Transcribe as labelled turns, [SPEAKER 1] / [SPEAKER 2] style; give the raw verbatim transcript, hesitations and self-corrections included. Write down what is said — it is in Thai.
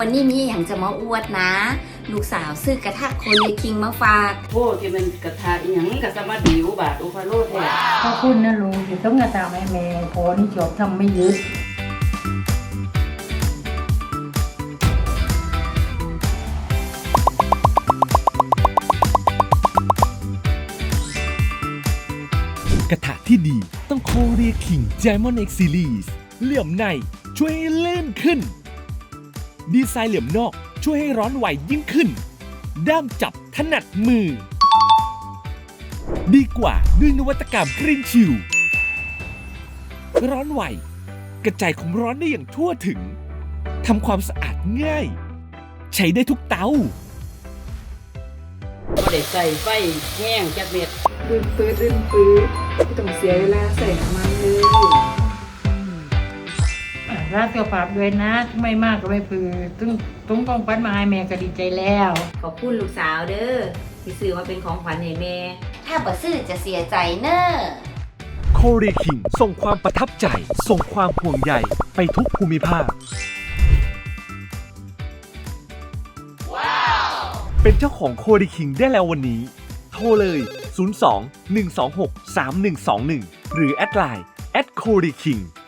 [SPEAKER 1] วันนี้มีอย่างจะมาอวดนะ ลูกสาวซื้อกระทะโคเรียคิงมาฝาก
[SPEAKER 2] โอ้ที่มันกระทะอีหยังกะสมาดิวบาทอุฟาโลแท้
[SPEAKER 3] ขอบคุณนะลุงที่ต้องกระตามให้แม่พอนี่จบทำไม่ยึด
[SPEAKER 4] กระทะที่ดีต้องโคเรียคิง Diamond X Series เหลี่ยมในช่วยให้ลื่นขึ้น ดีไซน์เหลี่ยมนอกช่วยให้ร้อนไหวยิ่งขึ้น ด้ามจับถนัดมือ ดีกว่าด้วยนวัตกรรมกรีนชิลร้อนไหวกระจายความร้อนได้อย่างทั่วถึงทำความสะอาดง่าย ใช้ได้ทุกเตา
[SPEAKER 2] บ่ได้ใส่ไฟแห้งจักเม็ด
[SPEAKER 5] ดืนปื้ดดืนปื้ดไม่ต้องเสียเวลาใส่น้ำมันเลย
[SPEAKER 3] รักตัวปรับด้วยนะไม่มากก็ไม่พือตึ้งตุ้งกองปั้นมาให้แม่ก็ดีใจแล้ว
[SPEAKER 1] ขอบคุณลูกสาวเด้อที่ซื้อมาเป็นของขวัญให้แม่ ถ้าบ่ซื้อจะเสียใจเน้อ
[SPEAKER 4] โคเรียคิงส่งความประทับใจ ส่งความห่วงใยไปทุกภูมิภาค เป็นเจ้าของโคเรียคิงได้แล้ววันนี้ โทรเลย ศูนย์ สอง หนึ่ง สอง หก สาม หนึ่ง สอง หนึ่ง หรือแอดไลน์ แอท โคเรียคิง